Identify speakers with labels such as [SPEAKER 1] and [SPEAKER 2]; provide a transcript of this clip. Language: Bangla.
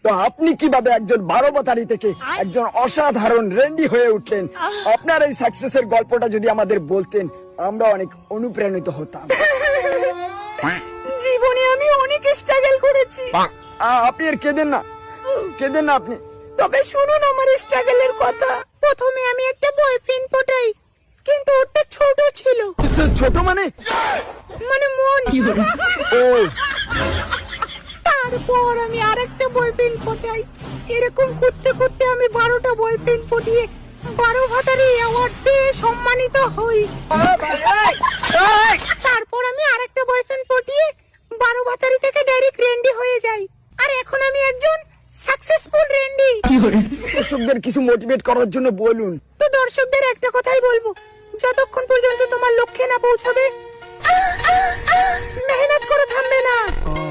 [SPEAKER 1] তো আপনি কিভাবে একজন 12 বাতারি থেকে একজন অসাধারণ রেন্ডি হয়ে উঠলেন? আপনার এই সাকসেসের গল্পটা যদি আমাদের বলতেন, আমরা অনেক অনুপ্রাণিত হতাম।
[SPEAKER 2] জীবনে আমি অনেক স্ট্রাগল করেছি,
[SPEAKER 1] আপনি আর কেঁদেন না, কেঁদেন না আপনি।
[SPEAKER 2] তবে শুনুন আমার স্ট্রাগলের কথা। প্রথমে আমি একটা বয়ফ্রেন্ড পটাই, কিন্তু ওটা ছোট ছিল।
[SPEAKER 1] ছোট মানে
[SPEAKER 2] মন।
[SPEAKER 1] ও,
[SPEAKER 2] তারপর আমি আরেকটা বয়ফ্রেন্ড পটাই। এরকম করতে করতে আমি 12টা বয়ফ্রেন্ড পটিয়ে 12 ভাতারি অ্যাওয়ার্ড পেয়ে সম্মানিত হই। তারপর আমি আরেকটা বয়ফ্রেন্ড পটিয়ে 12 ভাতারি থেকে ডাইরেক্ট রেন্ডি হয়ে যাই। আর এখন আমি একজন সাকসেসফুল রেন্ডি।
[SPEAKER 1] দর্শকদের কিছু মোটিভেট করার জন্য বলুন।
[SPEAKER 2] তো দর্শকদের একটা কথাই বলবো, যতক্ষণ পর্যন্ত তোমার লক্ষ্যে না পৌঁছাবে মেহনত করে থামবে না।